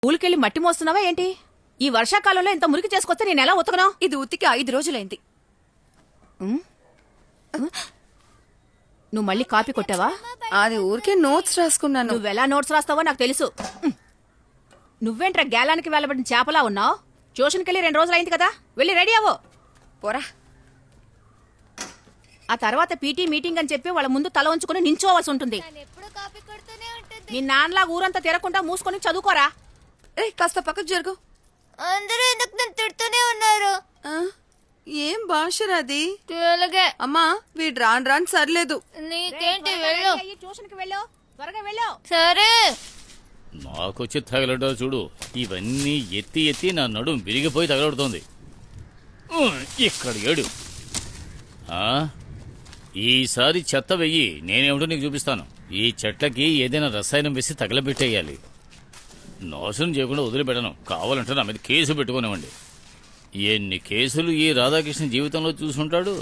ఊరికెళ్ళి మట్టి మోస్తున్నావా ఏంటి? ఈ వర్షాకాలంలో ఇంత మురికి చేసుకొస్తే నేను ఎలా ఉతకను? ఇది ఉతికి 5 రోజులైంది. నువ్వు మళ్ళీ కాపీ కొట్టావా? అది ఊరికే నోట్స్ రాసుకున్నాను. నువ్వెలా నోట్స్ రాస్తావో నాకు తెలుసు. నువ్వేంట్రా గేలానికి వెళ్ళబడిన చేపలా ఉన్నావు? ట్యూషన్కెళ్ళి 2 రోజులైంది కదా, వెళ్ళి రెడీ అవ్వు. పోరా. ఆ తర్వాత పీటీ మీటింగ్ అని చెప్పి వాళ్ళ ముందు తల ఉంచుకుని నించోవాల్సి ఉంటుంది. నీ నాన్నలా ఊరంతా తిరగకుండా మూసుకొని చదువుకోరా. కాస్త పక్కకు జరుగు. అందరూ ఎందుకు నన్ను తిడుతూనే ఉన్నారు? ఏం భాషరాది? తెలుగే. అమ్మా వీడు రాను సర్లేదు. నీకేంటి, వెళ్ళు. ట్యూషన్కి వెళ్ళు, త్వరగా వెళ్ళు. సరే. నాకొచ్చి తగలడా చూడు. ఇవన్నీ ఎత్తి ఎత్తి నా నడుం విరిగిపోయి తగలడుతోంది. ఇక్కడ ఏడు. ఈసారి చెత్త వెయ్యి, నేనేమిటో నీకు చూపిస్తాను. ఈ చెట్లకి ఏదైనా రసాయనం వేసి తగలబెట్టేయాలి. నాశనం చేయకుండా వదిలిపెట్టను. కావాలంటే నా మీద కేసు పెట్టుకునివ్వండి. ఎన్ని కేసులు ఈ రాధాకృష్ణ జీవితంలో చూసుంటాడు.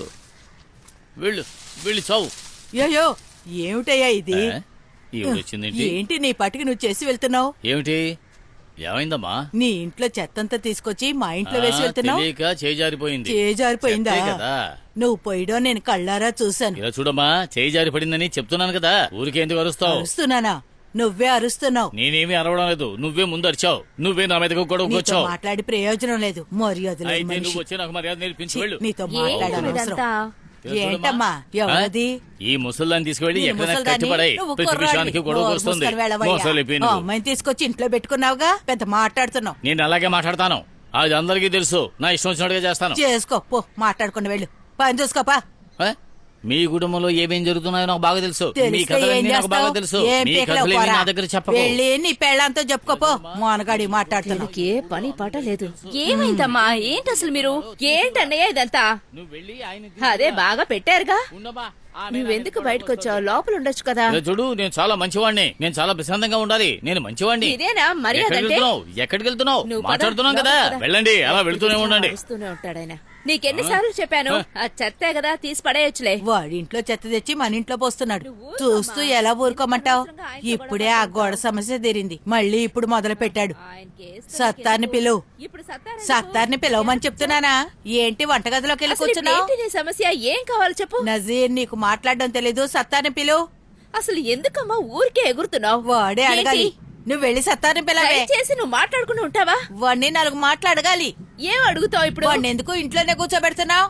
వెళ్ళి చావు. అయ్యో ఏమిటయ్యా ఇది? వచ్చిందేంటి? ఏంటి నీ పట్టుకు నువ్వు చేసి వెళ్తున్నావు? ఏమిటి? ఏమైందమ్మా? నీ ఇంట్లో చెత్తంతా తీసుకొచ్చి మా ఇంట్లో వేసి వెళ్తున్నావు. చేజారిపోయింది. చేజారిపోయిందా? కదా నువ్వు పోయడం నేను కళ్ళారా చూశాను. ఇలా చూడమ్మా, చేజారి పడిందని చెప్తున్నాను కదా, ఊరికే ఎందుకు అరుస్తావు? అరుస్తున్నానా? నువ్వే అరుస్తున్నావు. నేనేమీ అరవడం లేదు, నువ్వే ముందు అరిచావు. నువ్వే నా మీదకు గొడవకు వచ్చావు. మాట్లాడి ప్రయోజనం లేదు. మర్యాద అయితే నువ్వు వచ్చి నాకు మర్యాద నేర్పించు. వెళ్ళు. నీతో మాట్లాడాలి. ఏంటమ్మా ఎవరది? ఈ ముసల్దాన్ని తీసుకువెళ్ళి ఎక్కడైనా కట్టిపడాయి. ప్రతి విషయానికి గొడవ వస్తుంది. అమ్మాయిని తీసుకొచ్చి ఇంట్లో పెట్టుకున్నావుగా, పెద్ద మాట్లాడుతున్నావు. నేను అలాగే మాట్లాడతాను, అది అందరికీ తెలుసు. నా ఇష్టం వచ్చినట్టుగా చేస్తాను. చేసుకో పో, మాట్లాడుకుని వెళ్ళు. పని చూసుకోపా. మీ కుటుంబంలో ఏమేం జరుగుతున్నాయో నాకు బాగా తెలుసు. మీ కథలన్నీ నాకు బాగా తెలుసు. మీ కథలేమీ నా దగ్గర చెప్పకు. వెళ్ళి నీ పెళ్ళంతో చెప్పుకోపో. మోనగాడి మాట్లాడుతున్నా. ఏ పని పాట లేదు. ఏమైందమ్మా? ఏంటి అసలు మీరు? ఏంటన్నయ్య ఇదంతా? అదే బాగా పెట్టారుగా. నువ్వెందుకు బయటకు వచ్చావు? లోపల ఉండొచ్చు కదా. చూడు, నేను చాలా మంచివాడిని. నేను చాలా ప్రశాంతంగా ఉండాలి. నేను మంచివాడిని. ఇదేనా మర్యాద? ఎక్కడికి వెళ్తున్నావు? మాట్లాడుతున్నాం కదా, వెళ్ళండి. అలా వెళ్తూనే ఉండండి. ఉంటాడాయన. నీకెన్నిసార్లు చెప్పాను, ఆ చెత్తే కదా, తీసి పడేయచ్చులే. వాడి ఇంట్లో చెత్త తెచ్చి మన ఇంట్లో పోస్తున్నాడు. చూస్తూ ఎలా ఊరుకోమంటావు? ఇప్పుడే ఆ గోడ సమస్య తీరింది, మళ్ళీ ఇప్పుడు మొదలు పెట్టాడు. సత్తార్ని పిలువు. సత్తార్ని పిలవమని చెప్తున్నానా? ఏంటి వంటగదిలోకి వెళ్ళి కూర్చున్నావు? సమస్య ఏం కావాలి చెప్పు. నజీర్, నీకు మాట్లాడడం తెలీదు. సత్తార్ని పిలువు. అసలు ఎందుకమ్మా ఊరికే ఎగురుతున్నావు? వాడే అడగాలి. నువ్వు వెళ్ళి సత్తార్ని పిలవే. చేసి నువ్వు మాట్లాడుకుని ఉంటావా? వాడిని 4 మాట్లాడగాలి. ఏం అడుగుతావు ఇప్పుడు? వాడిని ఎందుకు ఇంట్లోనే కూర్చోబెడుతున్నావు?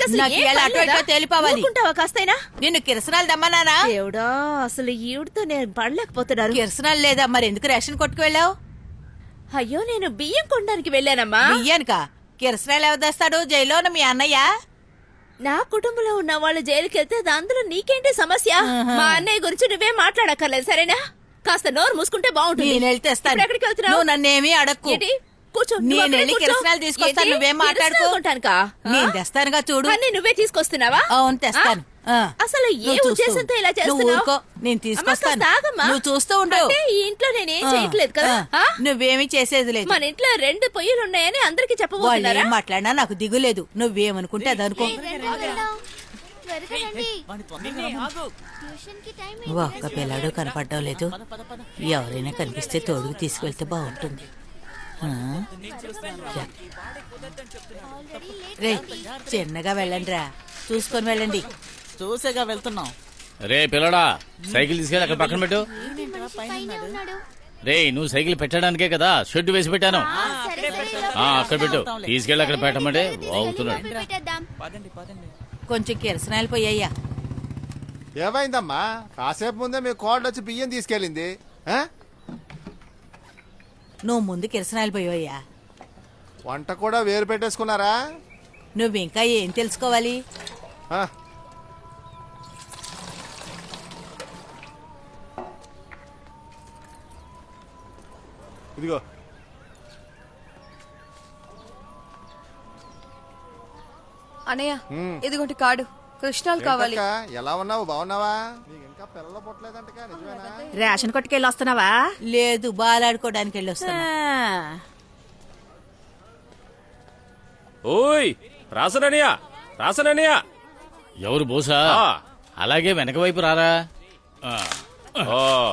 తేలిపోవాలి. కాస్తైనా నిన్ను కిరసనాలు దమ్మనానా? దేవుడా, అసలు ఈవిడతో నేను పడలేకపోతున్నాను. కిరసనాలు లేదా? మరి ఎందుకు రేషన్ కొట్టుకు వెళ్ళావు? అయ్యో, నేను బియ్యం కొనడానికి వెళ్ళానమ్మా. బియ్యానికా? కిరసనాలు ఎవరు తెస్తాడు? జైల్లోన మీ అన్నయ్య? నా కుటుంబంలో ఉన్న వాళ్ళు జైలుకి వెళ్తే అందులో నీకేంటి సమస్య? మా అన్నయ్య గురించి నువ్వేం మాట్లాడక్కర్లేదు, సరేనా? కాస్త నోరు మూసుకుంటే బాగుంటుంది. నేను వెళ్ళి తెస్తాను. ఎక్కడికి వెళ్తున్నావు? నువ్వు నన్నేమీ అడక్కు. కూర్చో. నేను వెళ్ళి కిరసనాలు తీసుకొస్తాను. నువ్వేం మాట్లాడుకుంటానుకా? నేను తెస్తానుగా, చూడు. అన్నీ నువ్వే తీసుకొస్తున్నావా? అవును, తెస్తాను. అసలు ఏ ఉద్దేశంతో ఇలా చేస్తున్నావు? నేను తీసుకొస్తాను, నువ్వు చూస్తూ ఉండు. ఈ ఇంట్లో నేనేం చేయట్లేదు కదా. నువ్వేమీ చేసేది లేదు. మన ఇంట్లో 2 పొయ్యిలు ఉన్నాయని అందరికి చెప్పబోతున్నారా? ఏం మాట్లాడినా నాకు దిగులేదు. నువ్వేమనుకుంటే అదనుకో. ఒక్క పిల్లాడు కనపడడం లేదు. ఎవరైనా కనిపిస్తే తోడుకు తీసుకెళ్తే బాగుంటుంది. రే, చిన్నగా వెళ్ళండి రా, చూసుకొని వెళ్ళండి. చూసేగా వెళ్తున్నాం. రే పిల్లడా, సైకిల్ తీసుకెళ్ళి అక్కడ పక్కన పెట్టు. రే, నువ్వు సైకిల్ పెట్టడానికే కదా షెడ్ వేసి పెట్టాను. అక్కడ పెట్టు, తీసుకెళ్ళి అక్కడ పెట్టమంటే వాగుతున్నాడు. కొంచెం కిరసనాలు పోయ్యా. ఏమైందమ్మా? కాసేపు ముందే మీ కోడలు వచ్చి బియ్యం తీసుకెళ్ళింది. నువ్వు ముందు కిరసనాలు పోయ్యా. వంట కూడా వేరు పెట్టేసుకున్నారా? నువ్వు ఇంకా ఏం తెలుసుకోవాలి? ఇదిగో. అన్నయ్య, ఇదిగోటి కార్డు. కృష్ణాలు కావాలి. ఎలా ఉన్నావు? బాగున్నావా? ఇంకా పిల్లలు పుట్టలేదంటగా, నిజమేనా? రేషన్ కొట్టుకెళ్ళి వస్తున్నావా? లేదు, బాలాడుకోవడానికి వెళ్ళి వస్తున్నా. ఓయ్ రాసననియా. ఎవరు బోసా? అలాగే వెనక వైపు రారా.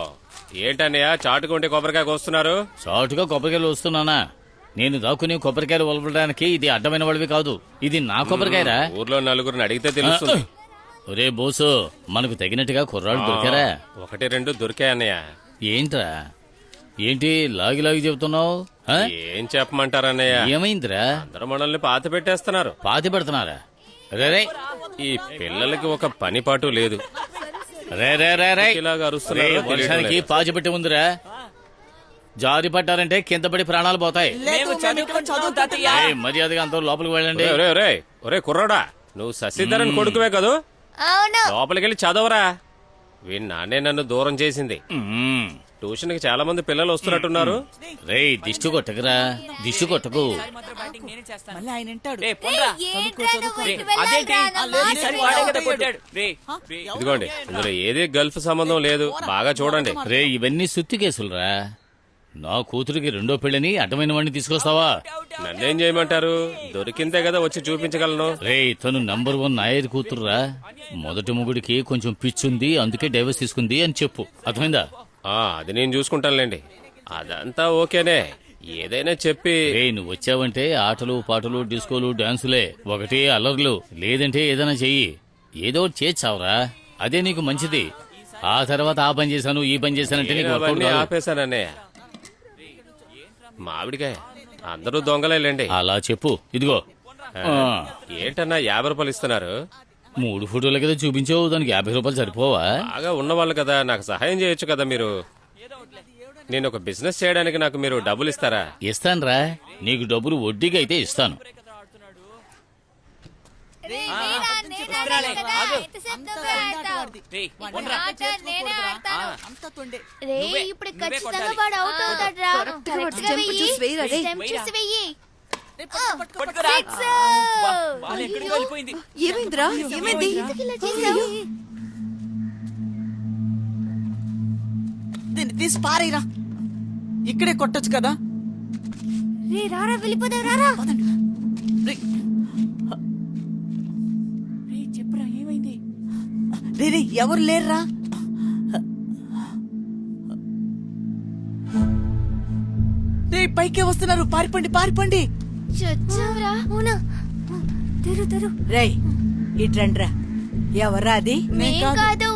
ఏంటన్నయ్య చాటుకుంటే కొబ్బరికాయ కోస్తున్నారు? చాటుగా కొబ్బరికాయలు వస్తున్నానా? నేను దాక్కుని కొబ్బరికాయలు వలపడానికి ఇది అడ్డమైన వాడివి కాదు. ఇది నా కొబ్బరికాయరా. ఊర్లో నలుగురిని అడిగితే తెలుస్తుంది. ఒరే బోసు, మనకు తగినట్టుగా కుర్రాళ్ళు దొరికారా? 1-2 దొరికాయన్నయ్య. ఏంట్రా, ఏంటి లాగి లాగి చెబుతున్నావు? ఏం చెప్పమంటారన్నయ్య? ఏమైందిరా? అందరూ మనల్ని పాత పెట్టేస్తున్నారు. పాతి పెడుతున్నారా? రే ఈ పిల్లలకి ఒక పని పాటు లేదు. రే రే రే రే ఇలాగ అరుస్తున్నారో రే, తెలియడం వర్షానికి లేదు. పాచి పెట్టి ఉందిరా. జారి పడ్డారంటే కింద పడి ప్రాణాలు పోతాయి. ఏయ్, మర్యాదగా అంతా లోపలికి వెళ్ళండి. ఒరే కుర్రాడా, నువ్వు శశిధరన్ కొడుకువే కదూ? అవును. లోపలికి వెళ్ళి చదవరా. వీడి నాన్నే నన్ను దూరం చేసింది. మ్మ్. ట్యూషన్ కి చాలా మంది పిల్లలు వస్తున్నట్టున్నారు. రేయ్, దిష్టి కొట్టకురా, దిష్టి కొట్టకు. మళ్ళీ ఆయన వింటాడు. ఏంట్రా నువ్వు ఇటు వెళ్ళాలిరా? నా మాట విను. ఇదిగోండి, ఇందులో ఏది గల్ఫ్ సంబంధం లేదు. బాగా చూడండి. రే, ఇవన్నీ సుత్తి కేసులురా. నా కూతురికి రెండో పెళ్ళని అడ్డమైన వాడిని తీసుకొస్తావా? నన్నేం చేయమంటారు? దొరికిందే కదా వచ్చి చూపించగలను. రే, తను నంబర్ 1 నాయర్ కూతురురా. మొదటి మొగుడికి కొంచెం పిచ్చుంది, అందుకే డైవర్స్ తీసుకుంది అని చెప్పు. అర్థమైందా? అది నేను చూసుకుంటానులేండి. అదంతా ఓకేనే. ఏదైనా చెప్పి రే, నువ్వు వచ్చావంటే ఆటలు పాటలు డిస్కోలు డాన్సులే. ఒకటి అల్లర్లు, లేదంటే ఏదైనా చెయ్యి. ఏదో ఒకటి చేర్చావురా, అదే నీకు మంచిది. ఆ తర్వాత ఆ పని చేశాను ఈ పని చేశానంటే నీకు వర్కౌట్ అవన్నీ కాదు. ఆపేశానన్నయ్య. మామిడికాయ అందరూ దొంగలేండి. అలా చెప్పు. ఇదిగో ఏంటన్నా 50 రూపాయలు ఇస్తున్నారు? 3 ఫోటోలు కదా చూపించావు, దానికి 50 రూపాయలు సరిపోవా? బాగా ఉన్నవాళ్ళు కదా, నాకు సహాయం చేయొచ్చు కదా మీరు. నేను ఒక బిజినెస్ చేయడానికి నాకు మీరు డబ్బులు ఇస్తారా? ఇస్తానురా, నీకు డబ్బులు వడ్డీకి అయితే ఇస్తాను. నేనా, నేనా కదా? ఎంతసేపు నువ్వే ఆడతావు? ఆట నేనే ఆడతాను. రేయ్, ఇప్పుడు ఖచ్చితంగా వాడు అవుట్ అవుతాడురా. కరెక్ట్ గా వెయ్యి. స్టెంప్ చూసి వెయ్యి. సిక్స్. ఏమైందిరా? ఏమైంది? ఎందుకు ఇలా చేసావు? దీన్ని తీసి పారేరా. ఇక్కడే కొట్టొచ్చు కదా. రే రారా, వెళ్ళిపోదాం రారా. చెప్పురా, ఏమైంది? రే, ఎవరు లేరురా. రే, పైకే వస్తున్నారు. పారిపోండి, పారిపోండి. చచ్చావురా. అవునా? తెరు తెరు. రేయ్, ఇట్రండ్రా. ఎవరా అది? మేం కాదు.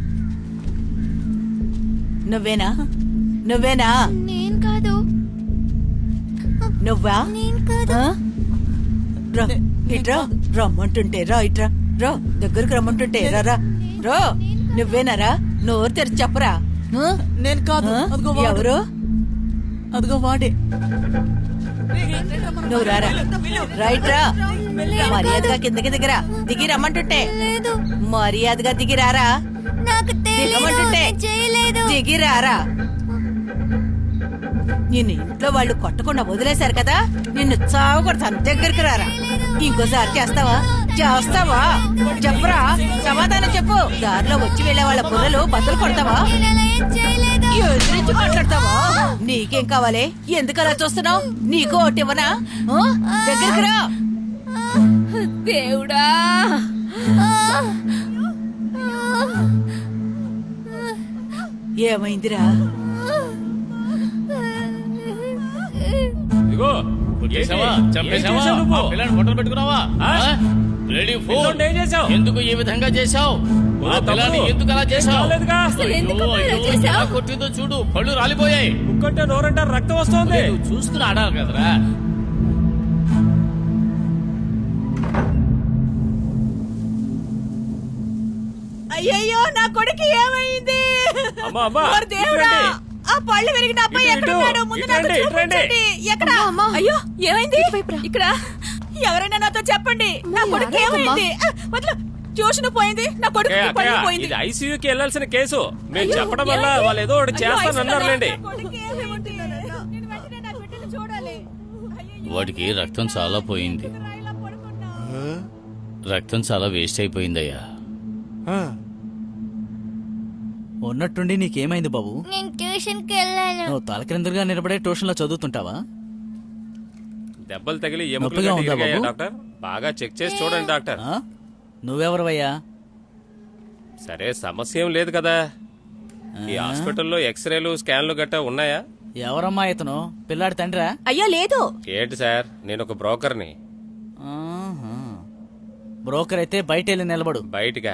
నువ్వేనా? నువ్వేనా? నేను కాదు. నువ్వా? నేను కాదు. ఆ? రా, ఇట్రా. రమ్మంటుంటే రా, ఇట్రా. రా, దగ్గరకు రమ్మంటుంటే రా రా. రో, నువ్వేనారా? నోరు తెరిచి చెప్పరా. ఆ? నేను కాదు. ఆ? అదిగో వాడు. ఎవరు? అదిగో వాడే. నువ్వు రారా. రైట్ రా. మర్యాదగా కిందకి దిగిరా. దిగి రమ్మంటుంటే. లేదు. మర్యాదగా దిగి రారా. నాకు తెలియదు. దిగమంటుంటే. నేను చేయలేదు. దిగి రారా. నిన్ను ఇంట్లో వాళ్ళు కొట్టకుండా వదిలేశారు కదా, నిన్ను చావకొడతాను. దగ్గరికి రారా. ఇంకోసారి చేస్తావా? చేస్తావా? చెప్పరా, సమాధానం చెప్పు. దారిలో వచ్చి వెళ్లే వాళ్ళ బుర్రలు బద్దలు కొడతావా? నేను అలా ఏం చేయలేదు. ఎదురించి మాట్లాడతావా? నీకేం కావాలి? ఎందుకు అలా చూస్తున్నావు? నీకు ఒకటి ఇవ్వనా? ఆ? దగ్గరికి రా. దేవుడా, ఏమైందిరా? ఇదిగో కొట్టేశావా? చంపేశావా? ఏం చేశావు నువ్వు? ఆ పిల్లని ఫోటోలు పెట్టుకున్నావా? ఆ? రెడీ పిల్లోడిని ఏం చేశావు? ఎందుకు ఈ విధంగా చేశావు? ఆ పిల్లని ఎందుకు అలా చేశావు? కాలేదుగా. అసలు ఎందుకు అయ్యో, ఇలా అయ్యో, చేశావు? ఎలా కొట్టిందో చూడు, పళ్ళు రాలిపోయాయి. కుక్కంటే నోరంటే రక్తం వస్తుంది. నువ్వు చూస్తున్నా ఆడాలి కదరా. అయ్యయ్యో, నా కొడుకు ఏమైంది? అమ్మా, అమ్మా, ఓరి దేవుడా, ఇటురండి. ఆ పళ్ళు విరిగిన అబ్బాయి ఇటు, ఎక్కడున్నాడు? ముందు నాకు ఇటురండి, ఇటురండి. చూపించండి. ఎక్కడ? అయ్యో, ఏమైంది? ఇక్కడ ఎవరైనా నాతో చెప్పండి. నా కొడుకు ఏమైంది? వదిలు. ట్యూషన్ పోయింది, నా కొడుకు ఏ, పళ్ళు అక్కయ్య, పోయింది. ఇది ఐసీయూకి వెళ్ళాల్సిన కేసు. మేము చెప్పడం వల్ల వాళ్ళు ఏదో ఒకటి చేస్తానన్నారులేండి. వాడికి రక్తం చాలా పోయింది. రక్తం చాలా వేస్ట్ అయిపోయిందయ్యా. ఉన్నట్టుండి నీకేమైంది బాబు? నేను ట్యూషన్ కి వెళ్ళాను. నువ్వు తలకిందులుగా నిలబడే ట్యూషన్ లో చదువుతుంటావా? దెబ్బలు తగిలి ఎముకలు నొప్పిగా ఉందా గట్టిగా బాబు? డాక్టర్, బాగా చెక్ చేసి చూడండి డాక్టర్. ఆ? నువ్వెవరవయ్యా? సరే, సమస్య ఏం లేదు కదా. ఈ హాస్పిటల్లో ఎక్స్రేలు స్కాన్లు గట్టా ఉన్నాయా? ఎవరమ్మా ఇతను? పిల్లాడి తండ్రా? అయ్యో లేదు. ఏంటి సార్, నేను ఒక బ్రోకర్ని. బ్రోకర్ అయితే బయట వెళ్ళి నిలబడు. బయటిగా